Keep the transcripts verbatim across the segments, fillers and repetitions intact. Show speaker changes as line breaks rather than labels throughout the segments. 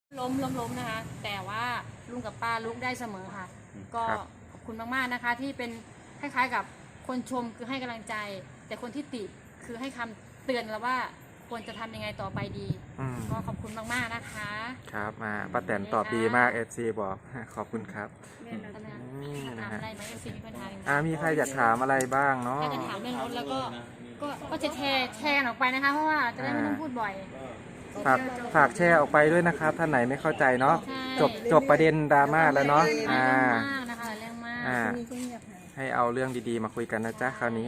ล้มล้มล้มนะคะ แต่ว่าลุงกับป้าลุกได้เสมอค่ะ ก็ขอบคุณมากๆนะคะ ที่เป็นคล้ายๆกับคนชมคือให้กำลังใจ แต่คนที่ติคือให้คำเตือนเราว่าควรจะทำยังไงต่อไปดี ก็ขอบคุณมากๆนะคะ
ครับมาป้าแตนตอบดีมากเอฟซีบอกขอบคุณครับ
นี่นะ
นะ
คะ
ฮะ
อะไรไหมเอฟซีมีปัญหาอะไรไหม
อ่ามีใครอยากถามอะไรบ้างเนาะ
ถ้าจะถามเรื่องรถแล้วก็ก็ก็จะแชร์แชร์ออกไปนะคะ เพราะว่าจะได้ไม่ต้องพูดบ่อย
ฝากฝากแชร์ออกไปด้วยนะครับท่านไหนไม่เข้าใจเนาะ
ใช่
จบจบประเด็นดราม่าแล้วเนาะ
เรื่
อ่า
องมากนะคะเรื่องมาก
อ่าให้เอาเรื่องดีๆมาคุยกันนะจ๊ะคราวนี้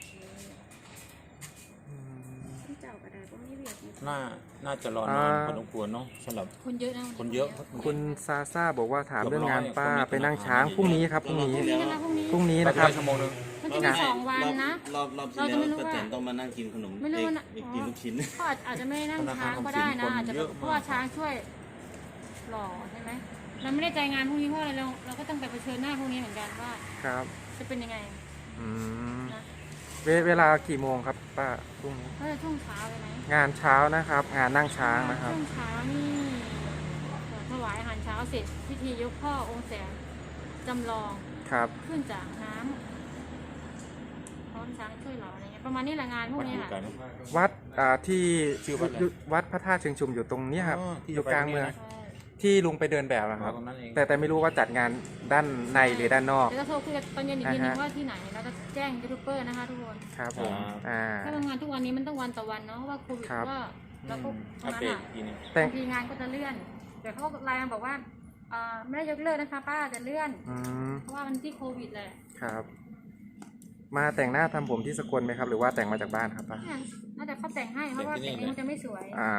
น่า น่าจะรอนานพอสมควรเนาะสำหรับ
คนเยอะนะ
คนเยอะ
คุณซาซ่าบอกว่าถามเรื่องงานป้าไปนั่งช้างพรุ่งนี้ครับพรุ่งนี้
พรุ่งนี้นะคะพรุ่งนี้
พรุ่งนี้
นะ
นะ
ค
ค
รั
รั
บบ ชั่วโมงนึง
มันจะมีสองวันนะ
รอบรอบที่
เราจะ
แล้ว
ไม่รู้
ป้า
ว่า
แตนต้องมานั่งกินขนม
ไม่รู้
เอ้ย
นะ
กินลูกชิ้น
ก็อาจจะไม่ได้นั่งช้างก็ได้นะอาจจะเพราะว่าช้างช่วยหล่อใช่ไหมเราไม่ได้ใจงานพรุ่งนี้เพราะอะไรเราเราก็ต้องไปเผชิญหน้าพรุ่งนี้เหมือนกันว่า
ครับ
จะเป็นยังไง
อืม
นะ
เวเวลากี่โมงครับป้าพรุ่งนี้
ก็จะช่วงเช้าเลยไหม
งานเช้านะครับ งานนั่งช้างนะครับ
ช่วงเช้านี่ถวายอาหารเช้าเสร็จพิธียกพ่อองค์แสนจำลอง
ครับ
ขึ้นจากน้ำพร้อมช้างช่วยเหล่าอะไรเงี้ยประมาณนี้แหละงานพวก
วัด
นี้
อยู่
ค่ะ
ไกลไหม
วัดอ่าที่
ชื่อวัดอะไร
อยู่วัดพระธาตุเชิงชุมอยู่ตรงเนี้ยครับ
อ๋อที่
อยู่กลางเมือง
จะไปตรงนี้นะ
ใช่
ที่ลุงไปเดินแบบนะครับ
ตรงนั้นเอง
แต่แต่ไม่รู้ว่าจัดงานด้านในหรือด้านนอก
เดี๋ยวจะโทรคุยกันตอนเย็นอีกทีนึง
อ่าฮะ
ว่าที่ไหนเราจะแจ้งยูทูบเบอร์นะคะทุกคน
ครับผมอ่า
ถ้าทำงานทุกวันนี้มันต้องวันต่อวันเนาะเพราะว่าโควิด
ครับ
ก็เราก็
อัป
ทำ
เด
งาน
ต
อ่ะ
ทีนึง
แต่ง
บางทีงานก็จะเลื่อนแต่เขาก็รายงานบอกว่าเอ่อไม่ได้ยกเลิกนะคะป้าจะเลื่อน
อืม
เพราะว่ามันที่โควิดแหละ
ครับ มาแต่งหน้าทำผมที่สกลไหมครับ หรือว่าแต่งมาจากบ้านครับป้า
เนี่ยน่าจะเขาแต่งให้เพราะว่าแต่งเองมันจะไม่สวย
อ่า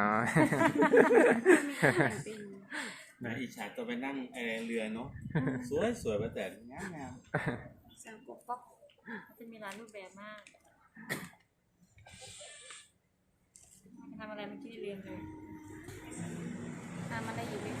นะอิจฉาตัวไปนั่งเอ่อเรือเนาะ สวยสวยป้าแตนงามงาม
สามกบก๊อกจะมีหลายรูปแบบมากทำอะไรเมื่อกี้เรียนเลยทำอะไรอยู่ไหม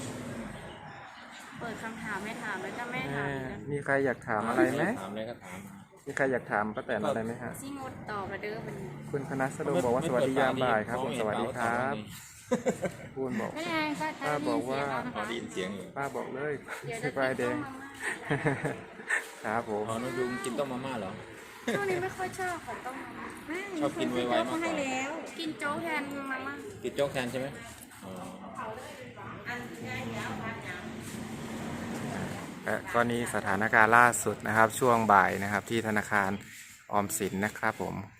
เปิดคำถามไม่ถามแล้วก็ไม่ถามอีกนะ
มีใครอยากถามอะไรไหม
ถามอะไรก็ถามมา
มีใครอยากถามป้าแตนอะไรไหมฮะ
ซีงดตอบมาเด้อมัน
คุณพนัสดมบอกว่าสวัสดียามบ่ายครับผมสวัสดีครับพูนบอก
ไม่ไงป้า
ป้าบอกว่า
อ๋อได้ยินเสียงอยู่
ป้าบอกเลย
เดี๋ยว
ส
จะ
บายแดง ครับผม
อ๋อนุดุงกินต้มมาม่าเหรอ
ช่วงนี้ไม่ค่อยชอบของต้ม
ชอบกินไวๆมากกว่า
กินโจ๊กแทนมาม่า
กินโจ๊กแทนใช่ไหมอ๋อ
และก็นี่สถานการณ์ล่าสุดนะครับ ช่วงบ่ายนะครับ ที่ธนาคารออมสินนะครับผม